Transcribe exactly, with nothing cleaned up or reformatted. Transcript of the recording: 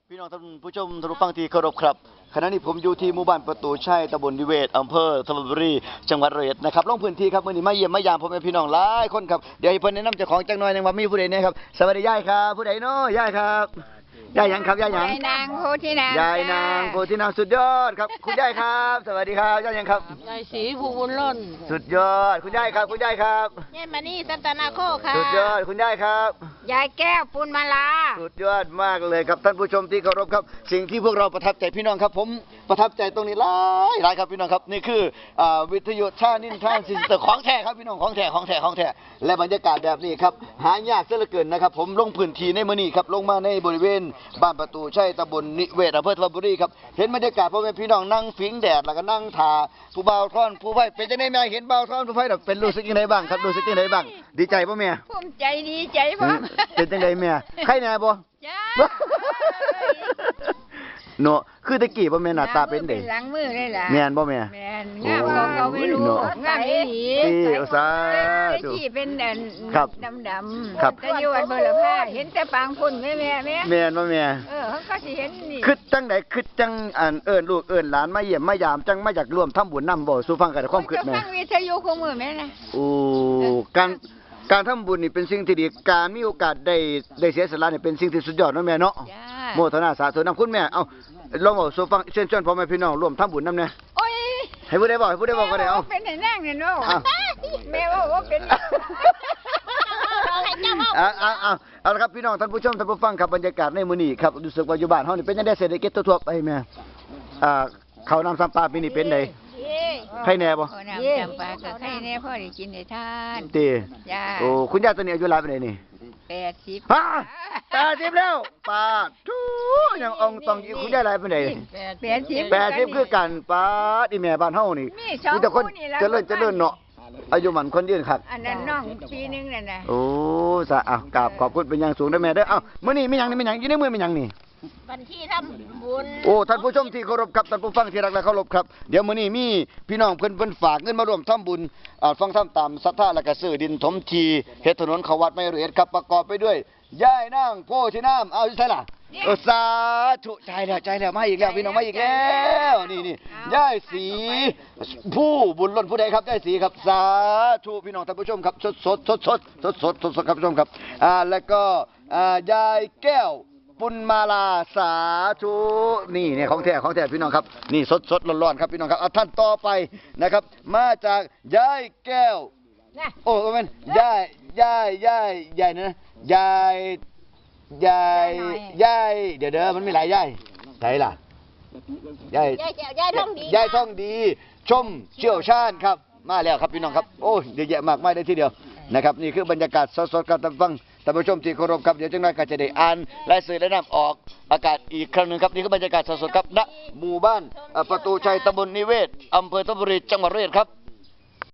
พี่น้องท่านผู้ชมท่านผู้ฟังที่เคารพครับขณะนี้ผมอยู่ที่หมู่บ้านประตูชัยตำบลนิเวศอำเภอธนบุรีจังหวัดร้อยเอ็ดนะครับลงพื้นที่ครับมื้อนี้มาเยี่ยมมายามพ่อแม่พี่น้องหลายคนครับเดี๋ยวให้เพิ่นแนะนำเจ้าของจังหน่อยนึงว่ามีผู้ใดเนี่ยครับสวัสดียายครับผู้ใดเนาะยายครับยายหยังครับยายหยังยายนางโพธินางยายนางโพธินางสุดยอดครับคุณยายครับสวัสดีครับยายหยังครับยายศรีภูบุญล้นสุดยอดคุณยายครับคุณยายครับยายมานี่สันตนาโคค่ะสุดยอดคุณยายครับยายแก้วปุณมาลาสุดยอดมากเลยครับท่านผู้ชมที่เคารพครับสิ่งที่พวกเราประทับใจพี่น้องครับผมประทับใจตรงนี้หลายหลายครับพี่น้องครับนี่คืออ่าวิทยุท่านินท่านซิสเตอร์ของแท้ครับพี่น้องของแท้ของแท้ของแท้และบรรยากาศแบบนี้ครับหายากเสียเหลือเกินนะครับผมลงพื้นที่ในมื้อนี้ครับลงมาในบริเวณบ้านประตูชัยตำบลนิเวศอำเภอธนบุรีครับเห็นบรรยากาศพ่อแม่พี่น้องนั่งผิงแดดแล้วก็นั่งทาผู้บ่าวท่อนผู้ไฟเป็นจังได๋แม่เห็นบ่าวท่อนผู้ไฟแบบเป็นรู้สึกยังไงบ้างครับรู้สึกยังไงบ้างดีใจป่ะแม่ภูมิใจดีใจพ่อเป็นจังไดแม่ใครแน่บ่จ้าเนาะคือตะกี้บ่แม่นหน้าตาเป็นเด้หลังมือเลยล่ะแม่นบ่แม่แม่นงามเขาเขาไม่รู้โอ้ยงามอีหลีที่อุตสาไอ้ธุที่เป็นอันครับดำดำครับแต่อยู่อันเบอร์ผ้าเห็นแต่ปางพุ่นแม่แม่แม่แม่นบ่แม่เออเขาก็สิเห็นนี่คือจังไดคือจังอันเอิ้นลูกเอิ้นหลานมาเยี่ยมมายามจังมาอยากร่วมทำบุญนำบ่สู่ฟังกันความคิดจะแม่ฟังวิทยุของมือแม่นะโอ้การการทำบุญนี่เป็นสิ่งที่ดีการมีโอกาสได้ได้เสียสละนี่เป็นสิ่งที่สุดยอดเนาะแม่เนาะจ้าโมทนาสาธุนำคุณแม่เอ้าลองเอาสู่ฟังเชิญชวนพ่อแม่พี่น้องร่วมทำบุญนำแน่โอ้ยให้ผู้ใดบอกให้ผู้ใดบอกก็ได้เอาแม่ว่เป็นไอ้นางเนี่ยเนาะอ้าวแม่ว่าว่าเป็นเอาเอาเอาเอาละครับพี่น้องท่านผู้ชมท่านผู้ฟังครับบรรยากาศในมื้อนี้ครับรู้สึกว่าอยู่บ้านเฮานี่เป็นจังได๋เศรษฐกิจทั่วๆไปแม่อ่าข้าวน้ำซ้ำปลาปีนี้เป็นไดใครแน่บ่โอ้น้ำจำปากับไข่แน่พ่อได้กินได้ทานติจ้าโอ้คุณย่าตัวนี้อายุหลายปานใดนี่แปดสิบฮะแปดสิบแล้วปาดทูยังอองตองคุณย่าหลายปานใดแปดสิบแปดสิบคือกันปาดอีแม่บ้านเฮานี่มีสองมีแต่คนคู่นี่ล่ะเจริญเจริญเนาะอายุหมันคนยืนครับอันนั้นน้องปีหนึงนั่นน่ะโอ้สะอ่ะกราบขอบคุณเป็นอย่างสูงด้วยแม่เด้อเอ้ามื้อนี้มีหยังนี่มีหยังอยู่ในมือมีหยังนี่วันที่ทำบุญโอ้ท่านผู้ชมที่เคารพครับท่านผู้ฟังที่รักและเคารพครับเดี๋ยวมื้อนี้มีพี่น้องเพิ่นเพิ่นฝากเงินมาร่วมทำบุญอ่าฟังทำตามศรัทธาและก็ซื้อดินถมทีเฮ็ดถนนเข้าวัดไม่ร้อยเอ็ดครับประกอบไปด้วยย่ายนางโพธิน้ำเอาอยู่ไสล่ะเออสาธุใจแล้วใจแล้วมาอีกแล้วพี่น้องมาอีกแล้วนี่นี่ย่ายสีผู้บุญล้นผู้ใดครับย่ายสีครับสาธุพี่น้องท่านผู้ชมครับสดสดสดสดสดสดสดสดครับผู้ชมครับอ่าแล้วก็อ่ายายแก้วปุณมาลาสาธุนี่เนี่ยของแท้ของแท้พี่น้องครับนี่สดสดร้อนๆครับพี่น้องครับอ่ะท่านต่อไปนะครับ มาจากยายแก้วนะโอ้ก็เป็นยายยายยายยายนะยายยายยายเดี๋ยวเด้อมันมีหลายยายไหนล่ะยายยายแก้วยายท่องดียายท่องดี ชมเชี่ยวชาญครับมาแล้วครับพี่น้องครับโอ้ยเยอะแยะมากมายเลยทีเดียวนะครับนี่คือบรรยากาศสดๆกับท่านฟังท่านผู้ชมที่เคารพครับเดี๋ยวจังหน่อยก็จะได้อ่านและสื่อและนำออกอากาศอีกครั้งหนึ่งครับนี่คือบรรยากาศสดๆครับณหมู่บ้านเอ่อประตูชัยตำบลนิเวศอำเภอธนบุรีจังหวัดร้อยเอ็ดครับ